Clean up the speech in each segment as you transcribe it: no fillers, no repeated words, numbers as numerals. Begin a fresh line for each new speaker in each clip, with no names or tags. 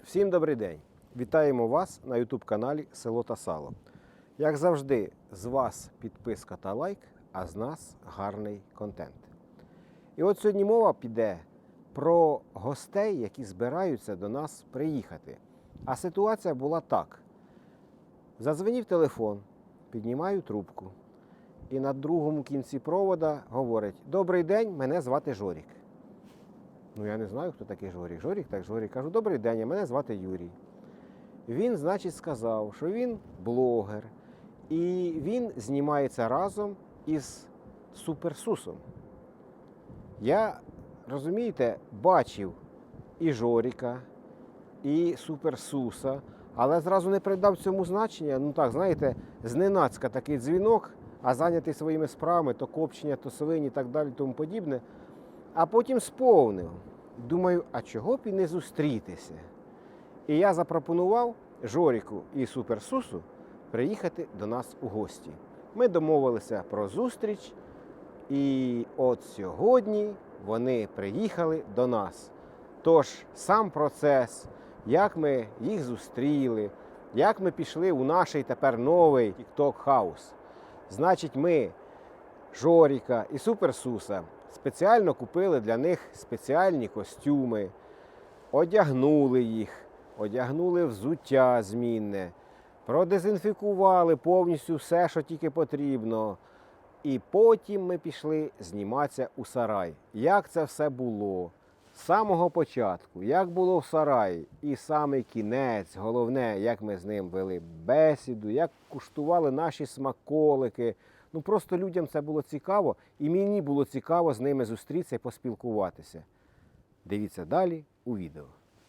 Всім добрий день! Вітаємо вас на YouTube-каналі Село та Сало. Як завжди, з вас підписка та лайк, а з нас гарний контент. І от сьогодні мова піде про гостей, які збираються до нас приїхати. А ситуація була так. Задзвонив телефон, піднімаю трубку. І на другому кінці провода говорить: «Добрий день, мене звати Жорік». Ну, я не знаю, хто такий Жорік. Жорік, так Жорік. Кажу: «Добрий день, а мене звати Юрій». Він, значить, сказав, що він блогер. І він знімається разом із Суперсусом. Я, розумієте, бачив і Жоріка, і Суперсуса, але зразу не придав цьому значення. Ну так, знаєте, зненацька такий дзвінок, а зайнятий своїми справами, то копчення, то свині і так далі, тому подібне. А потім сповнив. Думаю, а чого б і не зустрітися? І я запропонував Жоріку і Суперсусу приїхати до нас у гості. Ми домовилися про зустріч, і от сьогодні вони приїхали до нас. Тож сам процес, як ми їх зустріли, як ми пішли у наш тепер новий TikTok House. Значить, ми Жоріка і Суперсуса спеціально купили для них спеціальні костюми, одягнули їх, одягнули взуття змінне, продезінфікували повністю все, що тільки потрібно. І потім ми пішли зніматися у сарай. Як це все було? З самого початку, як було в сараї, і саме кінець, головне, як ми з ним вели бесіду, як куштували наші смаколики. Ну, просто людям це було цікаво, і мені було цікаво з ними зустрітися і поспілкуватися. Дивіться далі у відео.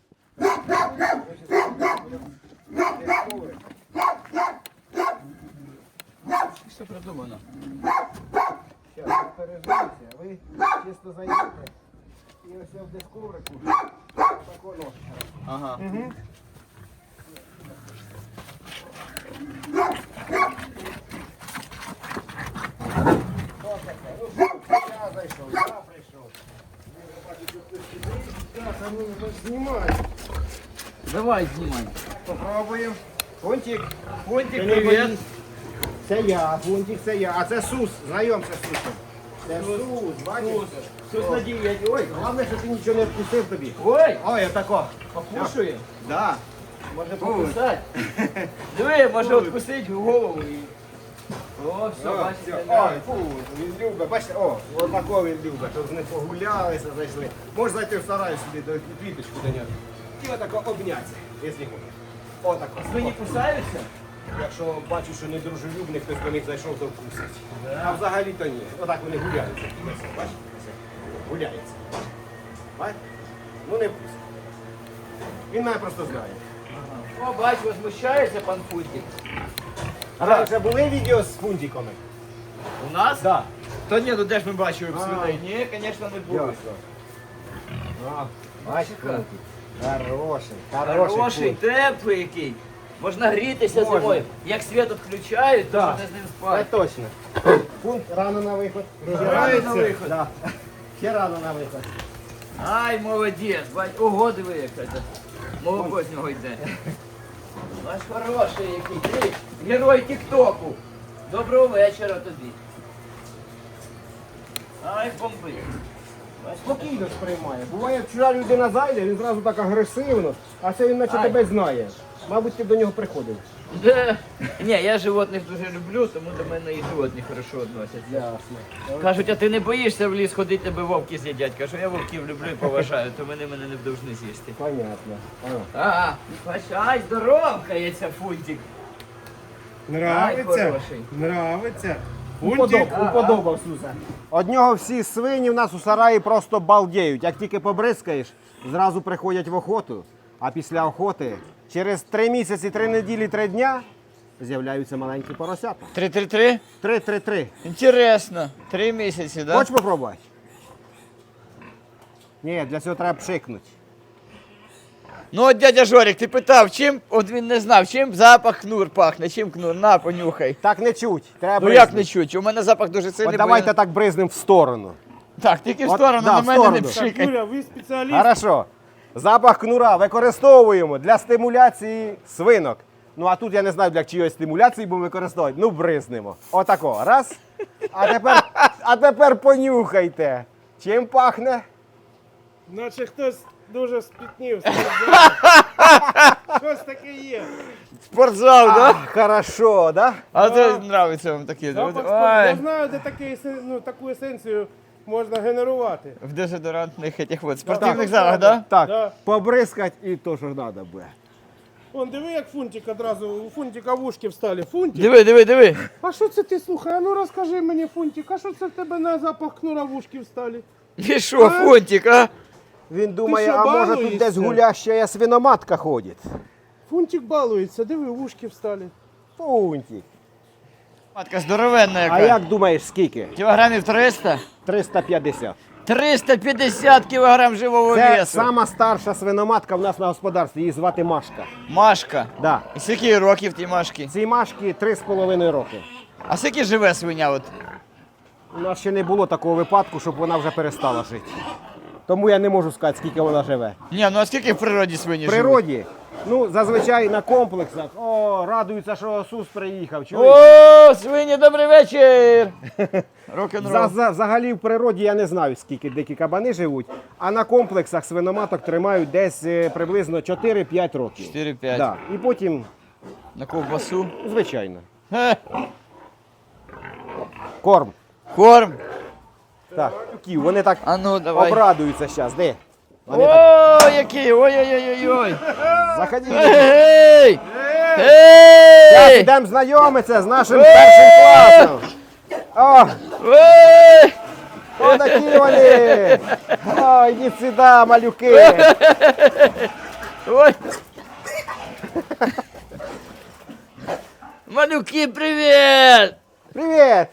Все продумано.
Зараз переживіться, ви чисто зайдете і ось в дискуврику тако ножка.
Ага.
Що таке? Ну що, я зайшов, я прийшов. Так, а ну знімай.
Давай, знімай.
Попробуємо. Фунтик.
Фунтик,
Ти не
привіт.
боїсь? Це я, Фунтик, це я. А це Сус, знайомся з Сусом. Це Сус, бачиш?
Тут на дієті. Ой,
Головне, що ти нічого не вкусив тобі.
ой,
Ой, отако.
покушує.
Да.
Може покусати. Диви, може відкусити голову. О, все,
Ой,
бачите.
фу, він любить, бачите, о, отако він любить, щоб не погулялися, зайшли. Можеш зайти в сарай собі, до квіточку до нього. І отако обняться, якщо хочеш. Отако.
Свині кусаються?
Якщо бачу, що недружелюбний, хтось до них зайшов, то вкусить. А взагалі то ні. Отак вони гуляються. Бачите? Гуляються. Бачите? Ну не вкусить. Він мене просто знає.
О, бач, возмущається пан Фунтик.
А раніше були відео з фунтиками?
У нас?
Так.
Та ні, ну де ж ми бачили
А.
свиней? Ні, звісно, не було.
Бачиш,
Фунтик.
Хороший.
Хороший,
Фунтик.
теплий який. Можна грітися
Можна.
зимою. Як світ відключають, то
Так.
можна з ним
Це
спати.
точно. Пункт рано на виход.
Рано на виход.
Да. Ще рано на виход.
Ай, молодець, бать, ого, диви, як це. Молоко з нього йде. Наш хороший який, ти герой Тіктоку. Доброго вечора тобі. Ай, бомби.
Спокійно сприймає. Буває, вчора людина зайде, він зразу так агресивно, а це він наче
Ай.
тебе знає. Мабуть, ти до нього приходив.
Де? Ні, я животних дуже люблю, тому до мене і животні хорошо відносяться.
Ясно.
Кажуть, а ти не боїшся в ліс ходити, тебе вовки з'їдять. Кажу, я вовків люблю і поважаю, то вони мене не повинні з'їсти.
Понятно.
А, бач, ай, здоровкається Фунтик. Ай,
Нравиться?
хороший.
Нравиться. Фунтик?
Уподобав Суса. Од нього всі свині в нас у сараї просто балдіють. Як тільки побризкаєш, зразу приходять в охоту, а після охоти через 3 місяці, 3 неділі, 3 дня з'являються маленькі поросята.
3-3-3?
3-3-3.
Інтересно. 3 місяці, да?
Хочеш попробувати? Ні, для цього треба пшикнути.
Ну от дядя Жорик, ти питав, чим, от він не знав, чим запах кнур пахне, чим кнур, на, понюхай.
Так не чуть. Треба
Ну як
бризнути.
не чуть, у мене запах дуже сильний.
От
бо
давайте
я-
так бризнем в сторону.
Так, тільки в
От,
сторону,
да,
на
в
мене не
сторону.
Так,
пшикай.
Юля, ви спеціаліст.
Хорошо. Запах кнура використовуємо для стимуляції свинок. Ну а тут я не знаю, для чиєї стимуляції будемо використовувати. Ну, бризнемо. Отако. Раз. А тепер понюхайте. Чим пахне?
Наче хтось дуже спітнів. Щось таке є.
Спортзал, да?
Хорошо, да?
А це нравиться вам таке.
Запах
Ой.
Я знаю, де таку есенцію можна генерувати.
В дезодорантних этих вот спортивних
Так.
залах, да?
Так,
Да.
побризкать і то, що треба буде.
Вон, диви, як Фунтик одразу, у Фунтика вушки встали. Фунтик?
Диви.
А що це ти, слухай? А ну розкажи мені, Фунтик, а що це в тебе на запах кнура вушки встали?
І що, Фунтик, а?
Він думає,
що,
а може тут
балуєшся?
десь гуляща свиноматка ходить.
Фунтик балується, диви, вушки встали.
Пунтик.
Матка здоровенна яка.
А як думаєш, скільки?
Кілограмів 300?
350.
350 кілограм живого
Це
весу.
сама старша свиноматка в нас на господарстві, її звати Машка.
Машка.
Да.
І скільки років тій Машки?
Цій Машки 3,5 роки.
А скільки живе свиня? От?
У нас ще не було такого випадку, щоб вона вже перестала жити. Тому я не можу сказати, скільки вона живе.
Ні, ну а скільки в природі свині
В
живуть?
природі, ну, зазвичай на комплексах, радуються, що Сус приїхав. Чуєш?
О, свині, добрий вечір! Рок-н-рол.
Взагалі в природі я не знаю, скільки дикі кабани живуть, а на комплексах свиноматок тримають десь приблизно 4-5 років.
4-5.
Да. І потім,
На ковбасу.
звичайно,
Хе.
корм.
Корм.
Так, вони так
А ну, давай.
обрадуються зараз. Де? Вони так,
О, який! Ой-ой-ой-ой-ой!
заходіть.
Ей!
Зараз
Ей!
йдемо знайомитися з нашим першим класом. О,
Ой!
отакі вони. Ой, йдіть сюди, малюки.
Ой! Малюки, привіт!
Привіт.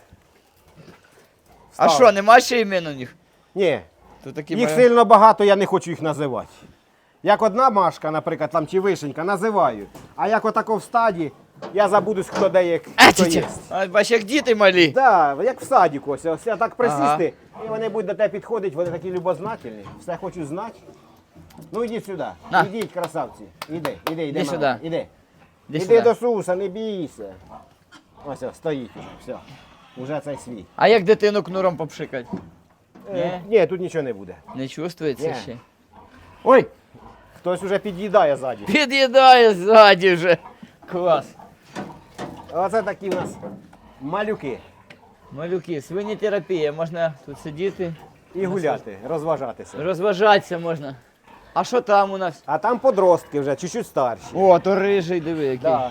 А
Став.
що, нема ще імен у них?
Ні,
То такі
їх
малі-
сильно багато, я не хочу їх називати. Як одна Машка, наприклад, там, чи Вишенька, називаю. А як отако в стаді, я забудусь, хто де є, хто є.
А, бач, як діти малі.
Так, як в садіку, ось я так присісти, і вони будуть до тебе підходити, вони такі любознательні, все хочуть знати. Ну йдіть сюди,
На.
йдіть, красавці. Іди,
Іди
мама,
сюди.
Іди.
Іди
Іди
сюди.
до Суса, не бійся. Ось, стоїть уже, все. Уже цей свій.
А як дитину кнуром попшикать?
Ні, тут нічого не буде.
Не чувствується
Ні.
ще?
Ой, хтось уже під'їдає ззаді.
Під'їдає ззаді вже. Клас.
Оце такі в нас малюки.
Малюки, свинітерапія, можна тут сидіти,
І гуляти, розважатися.
розважатися можна. А що там у нас?
А там подростки вже, чуть-чуть старші.
О, то рижий, диви який.
Да.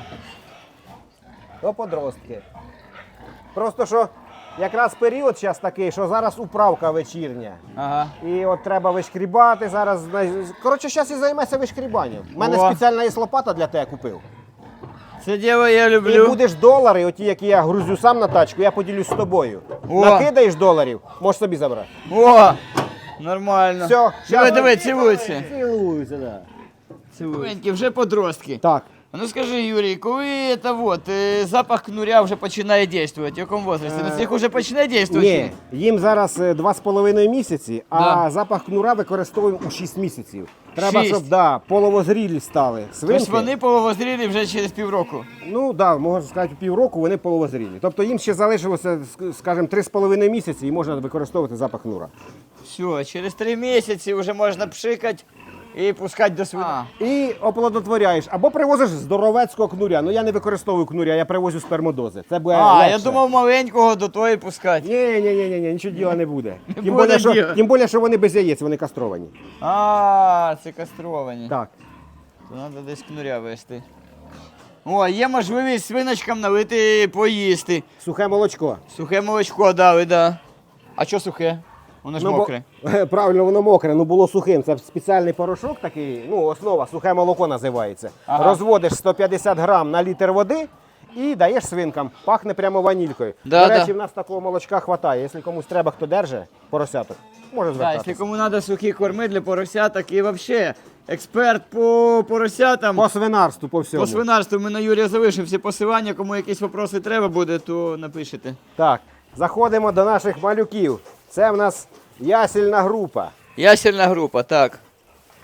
То подростки. Просто що якраз період зараз такий, що зараз управка вечірня.
Ага.
І от треба вишкрібати зараз. Коротше, зараз і займайся вишкрібанням. У мене
О.
спеціальна є лопата для тебе купив.
Це діло я
І
люблю.
будеш долари, оті, які я грузю сам на тачку, я поділюсь з тобою.
О.
Накидаєш доларів, можеш собі забрати.
О, нормально.
Все,
Диви, диви, цілуються.
Цілуюся, да.
Цілуються. Вже подростки.
Так.
А ну скажи, Юрій, коли це вот, запах кнуря вже починає діяти, в якому возрасті? На цих вже починає діяти?
Ні, їм зараз 2,5 місяці, а
Да.
запах кнура використовуємо у 6 місяців. Треба,
6?
щоб половозрілі стали свинки.
Тобто вони половозрілі вже через півроку.
Ну так, можна сказати, півроку вони половозрілі. Тобто їм ще залишилося, скажімо, 3,5 місяці і можна використовувати запах кнура.
Все, через 3 місяці вже можна пшикати і пускати до свина.
І оплодотворяєш. Або привозиш здоровецького кнуря. Ну я не використовую кнуря, я привозю спермодози. Це буде
А,
легше.
я думав маленького до тої пускати.
Ні, нічого діла не буде. Тим
буде
більше,
діла.
що вони без яєць, вони кастровані.
А, це кастровані.
Так.
То треба десь кнуря вести. О, є можливість свиночкам налити поїсти.
Сухе молочко.
Сухе молочко дали, да. А що сухе? Воно ж
Ну, бо-
мокре.
Правильно, воно мокре, ну було сухим. Це спеціальний порошок такий, ну основа, сухе молоко називається.
Ага.
Розводиш 150 грам на літр води і даєш свинкам. Пахне прямо ванількою.
Да,
До речі,
да.
в нас такого молочка хватає. Якщо комусь треба, хто держить поросяток, може
Так,
звертатися.
якщо кому треба сухі корми для поросяток і взагалі експерт по поросятам,
По свинарству, по всьому.
по свинарству, ми на Юрія залишив всі посилання, кому якісь вопроси треба буде, то напишете.
Так, заходимо до наших малюків. Це в нас ясільна група.
Ясельна група, так.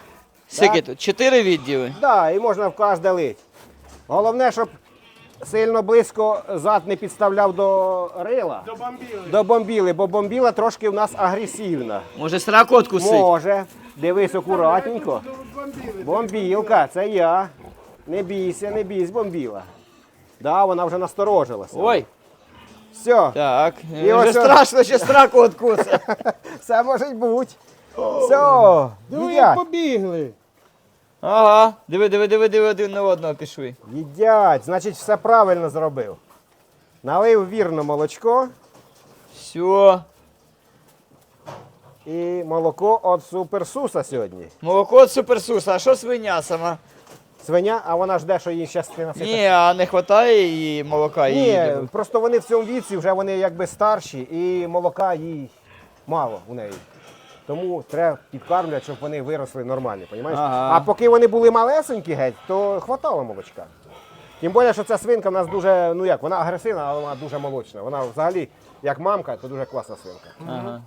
Скільки тут? 4 відділи.
Да, і можна в кожне лить. Головне, щоб сильно близько зад не підставляв до рила,
До бомбіли.
до бомбіли, бо бомбіла трошки в нас агресивна.
Може сраку откусить?
Може. Дивись акуратненько.
До бомбіли.
Бомбілка, це я. Не бійся, не бійся, бомбіла. Да, вона вже насторожилася.
Ой,
Все,
так.
І
Вже
ось
страшно, ще сраку откусить.
все може бути. Все,
Диви, як
їдять.
побігли.
Ага, диви, один на одного пішли.
Їдять, значить все правильно зробив. Налив вірно молочко
Все.
і молоко від суперсуса сьогодні.
Молоко від суперсуса, а що свиня сама?
Свиня, а вона жде, що їй щас насипе.
Ні, а не вистачає їй молока?
Ні,
їй?
просто вони в цьому віці вже вони якби старші і молока їй мало у неї. Тому треба підкармлювати, щоб вони виросли нормально, розумієш?
Ага.
А поки вони були малесенькі геть, то хватало молочка. Тим більше, що ця свинка в нас дуже, ну як, вона агресивна, але вона дуже молочна. Вона взагалі, як мамка, то дуже класна свинка.
Ага.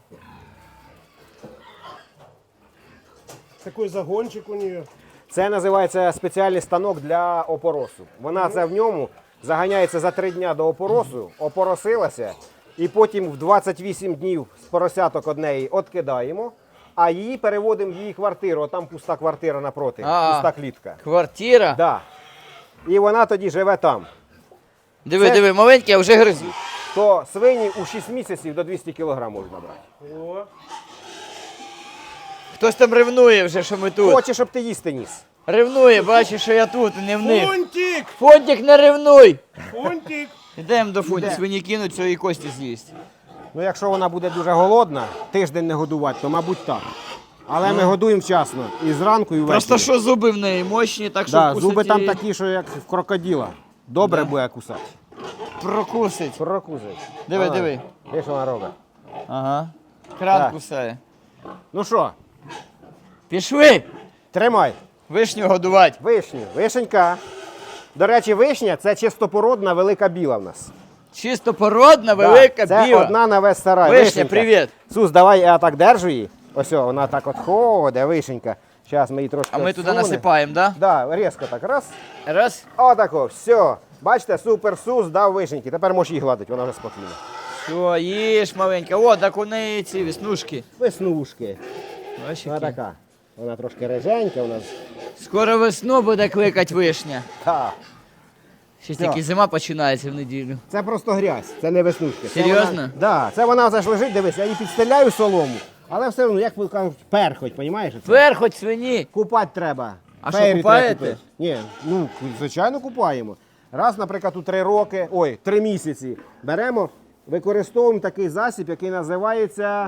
Такий загончик у неї.
Це називається спеціальний станок для опоросу. Вона це в ньому заганяється за 3 дні до опоросу, опоросилася, і потім в 28 днів з поросяток однеї відкидаємо, а її переводимо в її квартиру. Там пуста квартира напроти,
А.
пуста клітка.
Квартира?
Да. І вона тоді живе там.
Диви, маленькі, а вже гризуть.
То свині у 6 місяців до 200 кг можна брати.
О.
Хтось там ревнує вже, що ми тут.
Хоче, щоб ти їсти ніс.
Ревнує, бачиш, що я тут, не в них.
Фунтик!
Фонтик, не ревнуй!
Фунтик!
Йдемо до фунті,
Іде.
свині кинуть, що і кості з'їсть.
Ну, якщо вона буде дуже голодна, тиждень не годувати, то, мабуть, так. Але ми годуємо вчасно. І зранку, і ввечері.
Просто що зуби в неї мощні, так що
Да,
вкусить
зуби там
її
такі, що як в крокодила. Добре
Да.
буде кусати.
прокусить.
Прокусить.
Диви,
Ага.
диви.
Де що вона робить?
Ага. Кран
Так.
кусає.
Ну що,
Пішли!
тримай.
Вишню годувати.
Вишню. Вишенька. До речі, вишня це чистопородна велика біла в нас.
Чисто породна, велика,
це
біла.
одна на весь сарай.
Вишня,
Вишенька.
привіт.
Сус, давай я так держу її. Ось о, вона так от ходить, вишенька. Зараз ми її трошки
А ми туди
всунемо.
насипаємо, так?
Да, різко так, раз.
Да? Раз.
Отако, все. Бачите, супер Сус дав вишеньки. Тепер можеш її гладити, вона вже спокійна.
Все, їж маленька. О, так у неї ці веснушки.
Веснушки.
Бачиш,
Вона
які?
така. Вона трошки реженька у нас.
Скоро весну буде кликати вишня.
Так.
Ще
Все.
тільки зима починається в неділю.
Це просто грязь, це не веснушки. Це
Серйозно?
вона- Да, це вона вже ж лежить, дивись, я її підстеляю солому, але все одно, як ви кажуть, перхоть, розумієш?
Перхоть свині.
Купати треба.
А що,
Фейрі
купаєте?
треба купити. Ні, ну, звичайно, купаємо. Раз, наприклад, у 3 роки, 3 місяці беремо, використовуємо такий засіб, який називається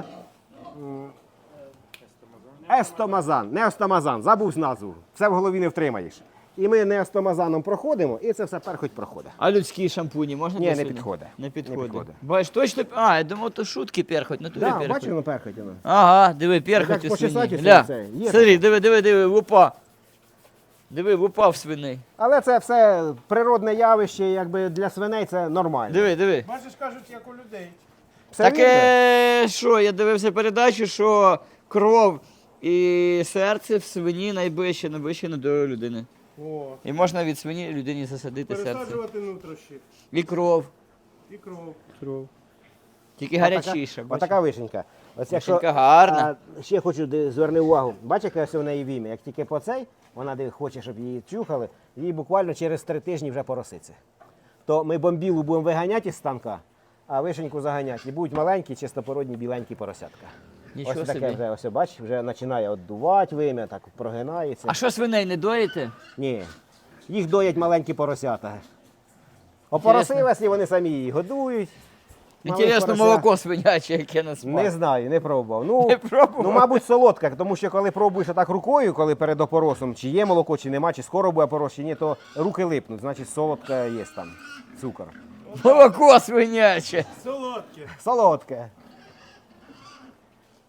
естомазан. Не естомазан, забув назву. Все в голові не втримаєш. І ми не естомазаном проходимо, і це все перхоть проходить.
А людські шампуні можна
Ні,
для
не
свині?
підходить.
Не
Не
підходить.
підходить.
Бачиш, точно. А, я думав, то шутки перхоть, на тобі
Так,
перхоть.
бачиш, воно перхоть воно.
Ага, диви, перхоть
Так
у свині.
почесати
Гля,
це, є
смотри, диви, лупа. Диви, лупа в свиней.
Але це все природне явище, якби для свиней це нормально.
Диви.
Бачиш, кажуть, як у людей.
Все
Таке, що, я дивився передачу, що кров і серце в свині найближче до людини.
О.
І можна від свині людині засадити серце.
Пересаджувати нутрощі.
І кров.
І кров.
Тільки гарячіша. бачиш?
Отака вишенька. Ось якщо,
Вишенька гарна.
ще хочу зверни увагу. Бачиш, яке ось у неї вім'я? Як тільки по цей, вона хоче, щоб її чухали, їй буквально через 3 тижні вже пороситься. То ми бомбілу будемо виганяти із станка, а вишеньку заганяти. І будуть маленькі, чистопородні, біленькі поросятка.
Нічого
ось таке
собі.
вже, ось бачиш, вже починає отдувати вим'я, так прогинається.
А що свиней не доїте?
Ні, їх доять маленькі поросята. Опоросилась, і вони самі її годують. Малих
Інтересно,
поросят.
молоко свиняче, яке на смак.
Не знаю, не пробував. Ну,
Не пробував?
ну, мабуть, солодка, тому що коли пробуєш так рукою, коли перед опоросом, чи є молоко, чи нема, чи скоро буде опорос, чи ні, то руки липнуть, значить солодка є там, цукор.
Молоко свиняче.
Солодке.
Солодке.
Клас.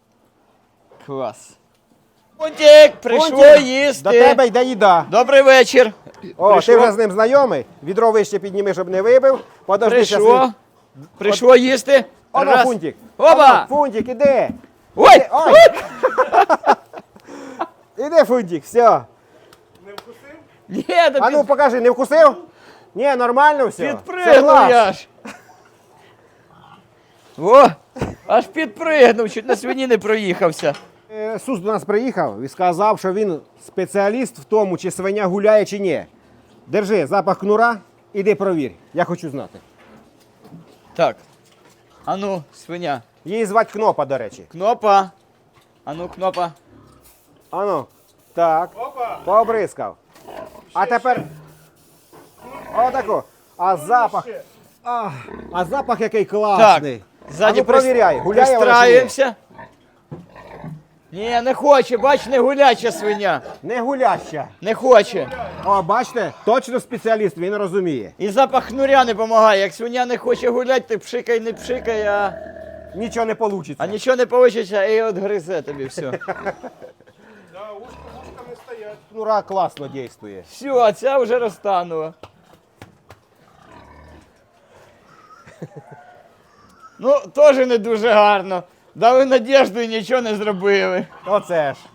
Фунтик, прийшло
Фунтик,
їсти.
До тебе йде їда.
Добрий вечір.
О,
Прийшло?
ти вже з ним знайомий, відро вище підніми, щоб не вибив. Подожди, щас
Прийшло.
він-
Прийшло їсти.
Оно,
Раз.
Фунтик.
Оба!
Оно, Фунтик, іди.
Ой!
Ой! Іди, Фунтик, все.
Не вкусив?
Ні, та
А ну покажи, не вкусив? Ні, нормально все. Це
підпригнув
глаз.
я ж. О, аж підпригнув, чуть на свині не проїхався.
Сус до нас приїхав і сказав, що він спеціаліст в тому, чи свиня гуляє, чи ні. Держи запах кнура, іди провір. Я хочу знати.
Так. Ану, свиня.
Її звати Кнопа, до речі.
Кнопа. Ану, кнопа.
Ану, так,
Опа!
пообрискав. А тепер. Отако. А запах.
Ще.
А запах який класний.
Ззаді
А ну, провіряй, гуляє вона чи ні?
пристраємося. Ні, не хоче, бач, не гуляча свиня.
Не гуляща.
Не хоче.
О, бачите, точно спеціаліст, він розуміє.
І запах хнуря не допомагає. Як свиня не хоче гуляти, ти пшикай, не пшикай,
Нічого не вийде.
а нічого не вийде, і от гризе тобі все.
Да, ушка не стоять.
Кнура класно дійствує.
Все, а ця вже розтанула. Ну, теж не дуже гарно. Дали надіжду і нічого не зробили.
Оце ж.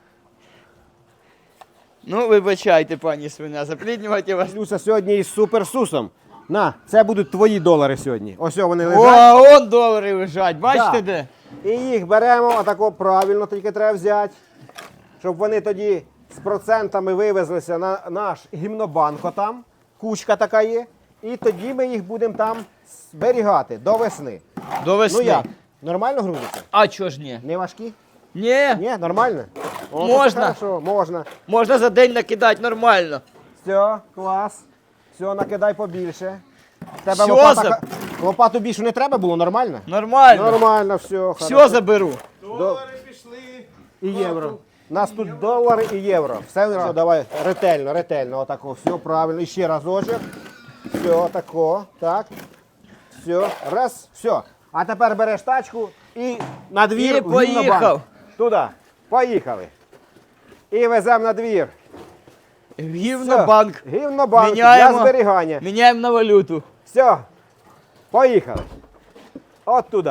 Ну, вибачайте, пані свиня, запліднювати вас.
Люся сьогодні із суперсусом. На, це будуть твої долари сьогодні. Ось вони
О,
лежать.
а он долари лежать, бачите
Да.
де?
І їх беремо, отако правильно тільки треба взяти, щоб вони тоді з процентами вивезлися на наш гімнобанк там. Кучка така є. І тоді ми їх будемо там зберігати до весни.
До весни.
Ну як? Нормально грузиться?
А чого ж ні?
Не важкі?
Ні,
Ні, нормально? О,
Можна.
то хорошо, можна.
можна за день накидати нормально.
Все, клас. Все, накидай побільше. Тебе
Всьо
лопату більше не треба було, нормально?
Нормально.
Нормально, все.
Все заберу.
Долари пішли.
І євро. У нас тут долари і євро. Все, давай ретельно, ретельно. Отако, все правильно. І ще разочок. Все, отако. Так. Все. Раз, все. А тепер береш тачку і на двір.
І
в Гімнобанк.
поїхав.
Туди. Поїхали. І веземо на двір.
Гівнобанк.
Все. Гімнобанк
Міняємо.
для зберігання.
Міняємо на валюту.
Все. Поїхали. От туди.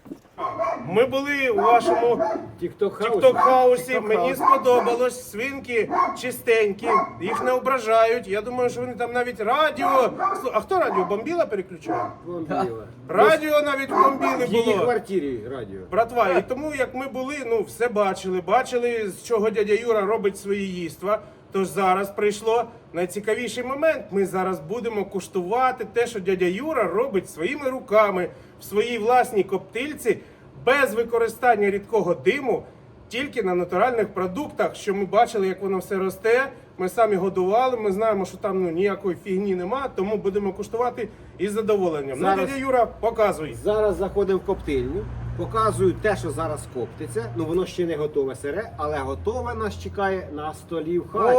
Ми були у вашому тік-ток-хаусі. Мені сподобалось. Свинки чистенькі, їх не ображають. Я думаю, що вони там навіть радіо. А хто радіо? Бомбіла переключав? Радіо навіть в бомбіли було.
квартирі радіо.
Братва, і тому як ми були, ну все бачили, з чого дядя Юра робить свої їства. Тож зараз прийшло найцікавіший момент. Ми зараз будемо куштувати те, що дядя Юра робить своїми руками в своїй власній коптильці, без використання рідкого диму, тільки на натуральних продуктах, що ми бачили, як воно все росте. Ми самі годували, ми знаємо, що там ніякої фігні нема, тому будемо куштувати із задоволенням.
Зараз-
Ну, дядя Юра, показуй.
Зараз заходимо в коптильню, показую те, що зараз коптиться. Ну воно ще не готове сире, але готове нас чекає на столі в хаті.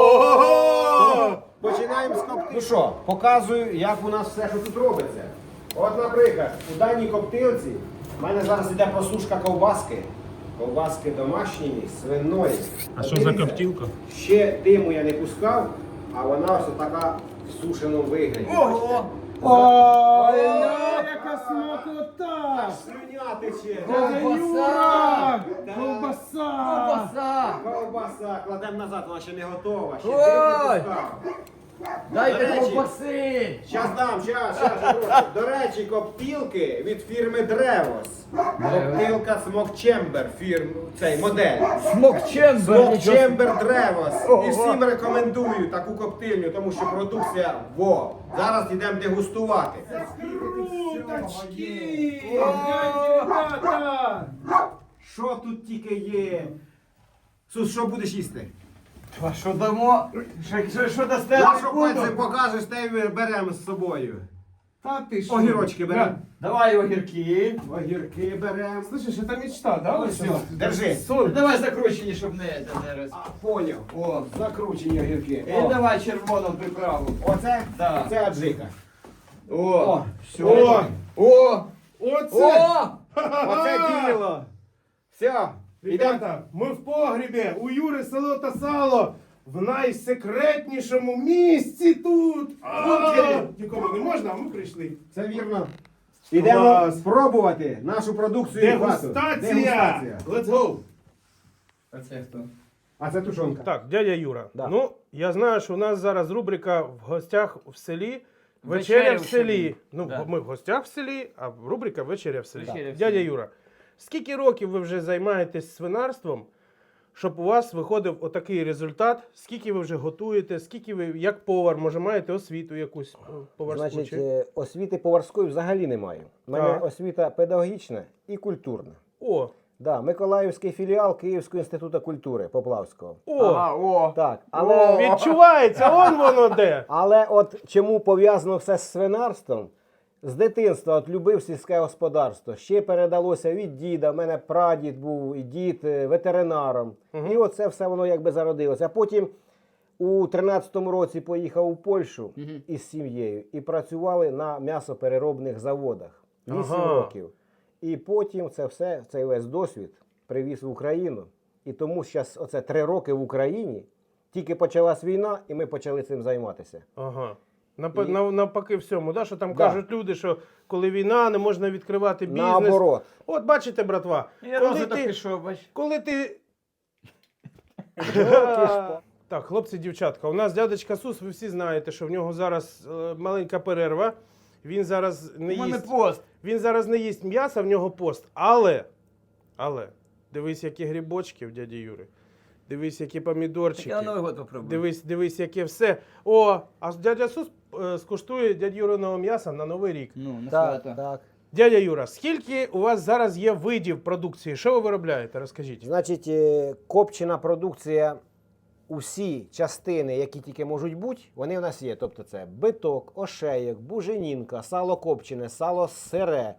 Ого!
Починаємо з коптильні. Ну що, показую, як у нас все, що тут робиться. От, наприклад, у даній коптилці в мене зараз йде просушка ковбаски. Ковбаски домашньої, свиної.
А що за коптилка?
Ще диму я не пускав, а вона ось така в сушеному вигляді.
Ого!
Ой,
яка
смакота!
Слюня тече.
Ковбаса!
Ковбаса!
Ковбаса!
Ковбаса, кладемо назад, вона ще не готова. Ще
Ой!
дим не пускав.
Дайте
До речі,
ковбаси!
Щас дам, щас. До речі, коптілки від фірми Древос. Коптилка Smoke Chamber, цей модель.
Смокчембер!
Smoke Chamber Древос.
Ого.
І всім рекомендую таку коптильню, тому що продукція во. Зараз йдемо дегустувати.
Круточки!
Що тут тільки є? Сус, що будеш їсти?
А що дамо? Що дасте?
Нашу пальці покажеш, те й ми беремо з собою.
Та ти що?
Огірочки беремо.
Давай огірки.
Огірки беремо.
Слышиш, это мечта, да?
Ось,
Василий?
держи.
Соль.
Давай закручені, щоб не роз.
Поняв.
О.
Закручені огірки.
І давай червону приправу.
Оце?
Да.
Це аджика.
О!
О!
О!
Оце!
О!
Оце діло. Все.
Ребята, ми в погрібі, у Юри село та сало, в найсекретнішому місці тут. Нікому не можна, а ми прийшли.
Це вірно. Ідемо
Клас.
спробувати нашу продукцію. і хату.
Дегустація! Let's go!
А це хто?
А це тушонка.
Так, дядя Юра.
Да.
Ну, я знаю, що у нас зараз рубрика в гостях в селі. Вечеря в селі. Ну,
Да.
ми в гостях в селі, а рубрика Вечеря в селі.
Вечеря в
Дядя
селі.
Юра, скільки років ви вже займаєтесь свинарством, щоб у вас виходив отакий результат? Скільки ви вже готуєте? Скільки ви, як повар, може, маєте освіту якусь поварську?
Значить,
чи?
освіти поварської взагалі немає. У мене
Так.
освіта педагогічна і культурна.
О,
Да, Миколаївський філіал Київського інституту культури Поплавського.
о,
Ага, о.
Так,
О.
але,
відчувається, он воно де.
але от чому пов'язано все з свинарством? З дитинства от любив сільське господарство. Ще передалося від діда. У мене прадід був і дід ветеринаром. І оце все воно якби зародилося. А потім у 13-му році поїхав у Польщу із сім'єю і працювали на м'ясопереробних заводах. 8
Ага.
років. І потім це все, цей весь досвід привіз в Україну. І тому зараз оце 3 роки в Україні, тільки почалась війна, і ми почали цим займатися.
Ага.
І-
Навпаки всьому, да? Що там
Да.
кажуть люди, що коли війна, не можна відкривати бізнес.
Наоборот.
От бачите, братва,
Я
коли
розвиток
ти,
пішов, бач.
коли ти... Так, хлопці, дівчатка, у нас дядечка Сус, ви всі знаєте, що в нього зараз маленька перерва. Він зараз не
У мене
їсть.
пост.
Він зараз не їсть м'яса, в нього пост. Але, дивись, які грибочки в дяді Юри. Дивись, які помідорчики.
Так я Новий год попробую.
Дивись, яке все. О, а дядя Сус скуштує дядь Юриного м'яса на Новий рік.
Ну, на
Так,
свято.
так.
Дядя Юра, скільки у вас зараз є видів продукції? Що ви виробляєте? Розкажіть.
Значить, копчена продукція, усі частини, які тільки можуть бути, вони в нас є. Тобто це биток, ошеєк, буженінка, сало копчене, сало сире.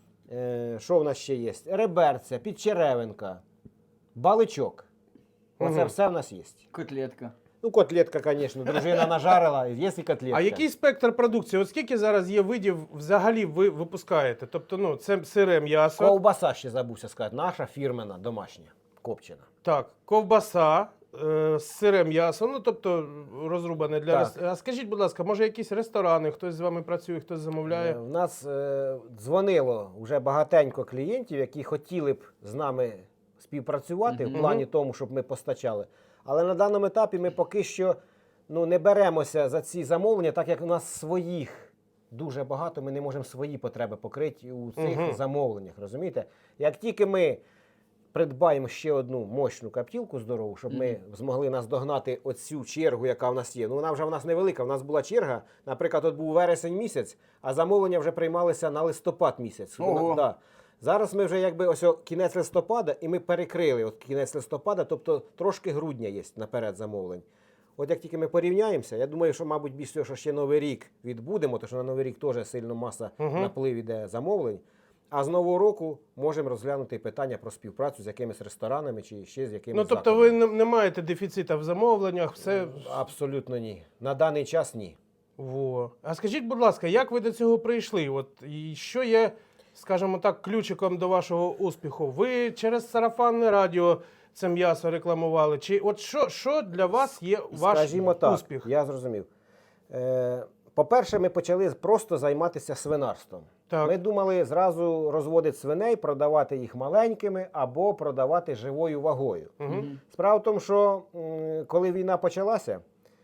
Що в нас ще є? Реберця, підчеревинка, баличок. Оце
Мгм.
все в нас є.
Котлетка.
Ну, котлетка, звісно, дружина нажарила, є і котлетка.
А який спектр продукції? От скільки зараз є видів взагалі ви випускаєте? Тобто, ну, це сире м'ясо,
Ковбаса ще забувся сказати, наша фірмена, домашня, копчена.
так, ковбаса, сире м'ясо, ну тобто розрубане для
Так.
А скажіть, будь ласка, може якісь ресторани, хтось з вами працює, хтось замовляє?
В нас дзвонило вже багатенько клієнтів, які хотіли б з нами співпрацювати в плані тому, щоб ми постачали. Але на даному етапі ми поки що не беремося за ці замовлення, так як у нас своїх дуже багато, ми не можемо свої потреби покрити у цих замовленнях. Розумієте? Як тільки ми придбаємо ще одну мощну каптілку здорову, щоб ми змогли наздогнати оцю чергу, яка в нас є. Ну, вона вже в нас невелика. В нас була черга, наприклад, от був вересень місяць, а замовлення вже приймалися на листопад місяць.
Ого.
Да. Зараз ми вже якби ось кінець листопада, і ми перекрили от кінець листопада, тобто трошки грудня є наперед замовлень. От як тільки ми порівняємося, я думаю, що, мабуть, більш всього, що ще Новий рік відбудемо, тому що на Новий рік теж сильно маса наплив іде замовлень. А з Нового року можемо розглянути питання про співпрацю з якимись ресторанами чи ще з якимись
Ну, тобто ви не маєте дефіцита в замовленнях, все.
Абсолютно ні. На даний час ні.
Во. А скажіть, будь ласка, як ви до цього прийшли? От і що є, скажімо так, ключиком до вашого успіху? Ви через сарафанне радіо це м'ясо рекламували? Чи от що для вас є ваш
Скажімо так,
успіх?
я зрозумів. По-перше, ми почали просто займатися свинарством.
Так.
Ми думали зразу розводити свиней, продавати їх маленькими або продавати живою вагою. Справа в тому, що коли війна почалася,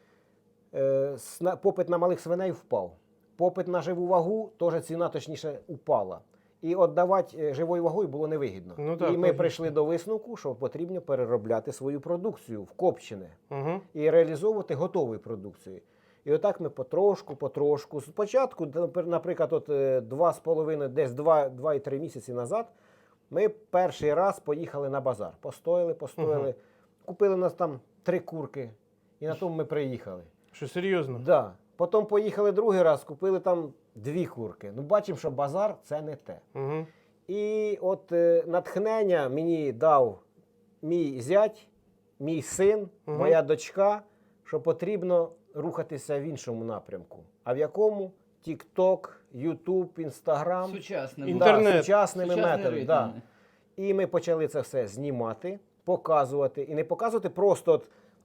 попит на малих свиней впав. Попит на живу вагу, теж ціна точніше упала. І віддавати живою вагою було невигідно.
Ну, так,
і ми
логічно.
прийшли до висновку, що потрібно переробляти свою продукцію в копчене
Угу.
і реалізовувати готову продукцію. І отак ми потрошку. Спочатку, наприклад, от 2,5, десь 2-3 місяці назад, ми перший раз поїхали на базар. Постояли, купили у нас там 3 курки, і на тому ми приїхали.
Що серйозно?
Да. Потім поїхали другий раз, купили там 2 курки. Ну, бачимо, що базар – це не те.
Угу.
І от натхнення мені дав мій зять, мій син, моя дочка, що потрібно рухатися в іншому напрямку. А в якому? TikTok, YouTube, Instagram.
Сучасним.
Інтернет.
Да, сучасними
Сучасний
методами.
ритм.
Да. І ми почали це все знімати, показувати. І не показувати просто от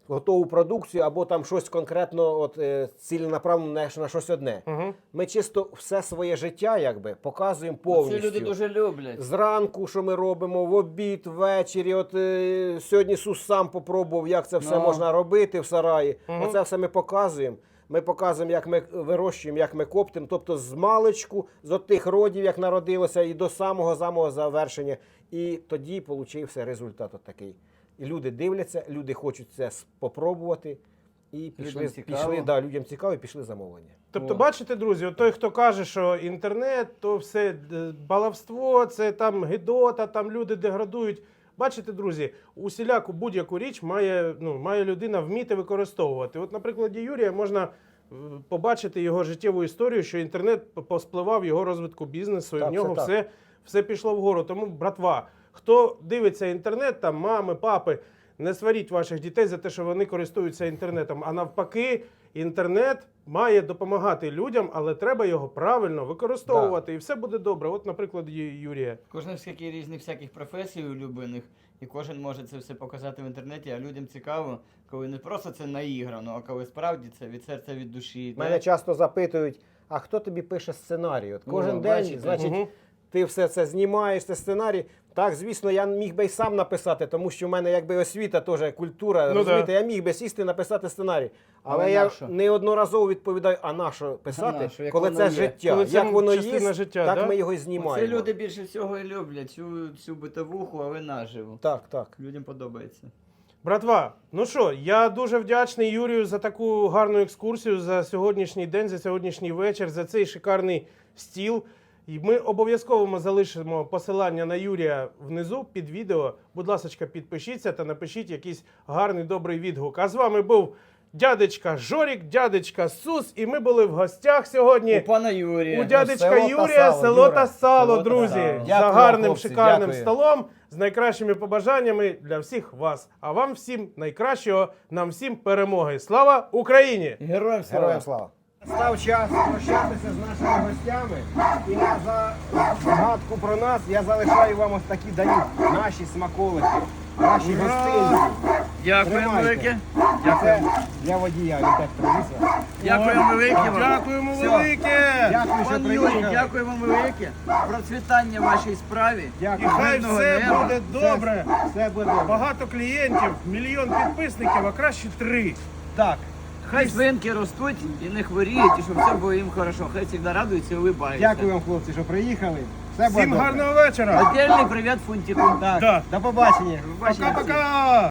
готову продукцію або там щось конкретно ціленаправлено на щось одне. Ми чисто все своє життя якби показуємо
Це
повністю.
люди дуже люблять.
Зранку, що ми робимо, в обід, ввечері. Сьогодні Сус сам попробував, як це все
Ну.
можна робити в сараї. Оце все ми показуємо. Ми показуємо, як ми вирощуємо, як ми коптимо. Тобто з маличку, з тих родів, як народилося, і до самого завершення. І тоді получився результат такий. І люди дивляться, люди хочуть це спробувати. І
Людям цікаво.
людям цікаво, і пішли замовлення.
Тобто,
О.
бачите, друзі, от той, хто каже, що інтернет, то все баловство, це там гидота, там люди деградують. Бачите, друзі, усіляку будь-яку річ має людина вміти використовувати. От на прикладі Юрія можна побачити його життєву історію, що інтернет поспливав його розвитку бізнесу, і
Так,
в нього
це так.
все пішло вгору. Тому, братва, хто дивиться інтернет, там мами, папи, не сваріть ваших дітей за те, що вони користуються інтернетом. А навпаки, інтернет має допомагати людям, але треба його правильно використовувати. І все буде добре. От, наприклад, Юрія.
Кожен скільки різних всяких професій улюблених, і кожен може це все показати в інтернеті, а людям цікаво, коли не просто це наіграно, а коли справді це від серця, від душі.
Мене часто запитують, а хто тобі пише сценарій? От кожен
Ну,
день,
бачите.
значить, ти все це знімаєш, це сценарій. Так, звісно, я міг би й сам написати, тому що в мене якби освіта теж, культура,
Ну,
розумієте,
да.
я міг би сісти написати сценарій. Але
Але
я
нащо?
неодноразово відповідаю, а на що писати,
А на що, як
коли
воно
це
є?
життя.
Коли це
як воно
частина
є,
життя,
так
да?
ми його і
Це
знімаємо.
люди більше всього і люблять, цю битовуху, але наживо.
Так, так.
Людям подобається.
Братва, ну що, я дуже вдячний Юрію за таку гарну екскурсію, за сьогоднішній день, за сьогоднішній вечір, за цей шикарний стіл. І ми обов'язково залишимо посилання на Юрія внизу під відео. Будь ласка, підпишіться та напишіть якийсь гарний, добрий відгук. А з вами був дядечка Жорік, дядечка Сус, і ми були в гостях сьогодні
У пана Юрія.
у дядечка
село та
Юрія,
сало,
село
Юра.
та сало,
Село та
друзі.
сало.
За
Дякую,
гарним,
хлопці,
шикарним
дякую.
столом, з найкращими побажаннями для всіх вас. А вам всім найкращого, нам всім перемоги. Слава Україні!
Героям слава.
Героям слава. Став час прощатися з нашими гостями. І за згадку про нас я залишаю вам ось такі даю наші смаколики, наші гостинці.
Дякуємо
Тримайте.
велике.
Це для водія, він так привіз.
Дякуємо велике вам.
Дякуємо
Все.
велике!
Дякую, що
Пан Юрій,
приїхали.
дякую вам велике. Процвітання вашій справі.
І
Дякую.
хай
Мирного
все
неба.
буде добре.
Все буде добре.
Багато клієнтів, 1 мільйон підписників, а краще 3.
Так.
Хай свинки ростуть і не хворіють, і щоб все було їм хорошо. Хай завжди радуються і улибаються.
Дякую вам, хлопці, що приїхали. Все буде
Всім
добре.
гарного вечора!
Отдельний привіт Фунтику.
Так,
Да.
до побачення.
Побачення всім.
Пока-пока!